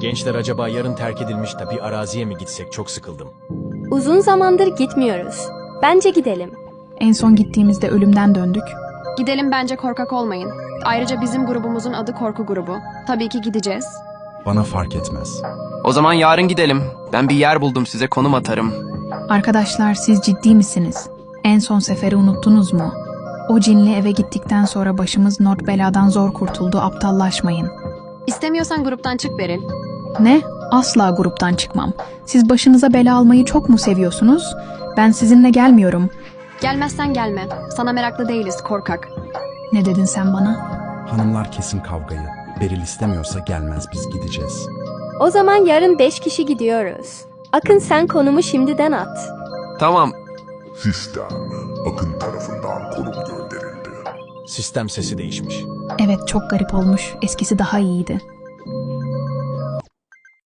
Gençler acaba yarın terk edilmiş de bir araziye mi gitsek, çok sıkıldım. Uzun zamandır gitmiyoruz. Bence gidelim. En son gittiğimizde ölümden döndük. Gidelim, bence korkak olmayın. Ayrıca bizim grubumuzun adı Korku Grubu. Tabii ki gideceğiz. Bana fark etmez. O zaman yarın gidelim. Ben bir yer buldum, size konum atarım. Arkadaşlar, siz ciddi misiniz? En son seferi unuttunuz mu? O cinli eve gittikten sonra başımız not beladan zor kurtuldu, aptallaşmayın. İstemiyorsan gruptan çık Beril. Ne? Asla gruptan çıkmam. Siz başınıza bela almayı çok mu seviyorsunuz? Ben sizinle gelmiyorum. Gelmezsen gelme. Sana meraklı değiliz, korkak. Ne dedin sen bana? Hanımlar kesin kavgayı. Beril istemiyorsa gelmez, biz gideceğiz. O zaman yarın 5 kişi gidiyoruz. Akın, sen konumu şimdiden at. Tamam. Sistem, Akın tarafından konum gönderildi. Sistem sesi değişmiş. Evet, çok garip olmuş. Eskisi daha iyiydi.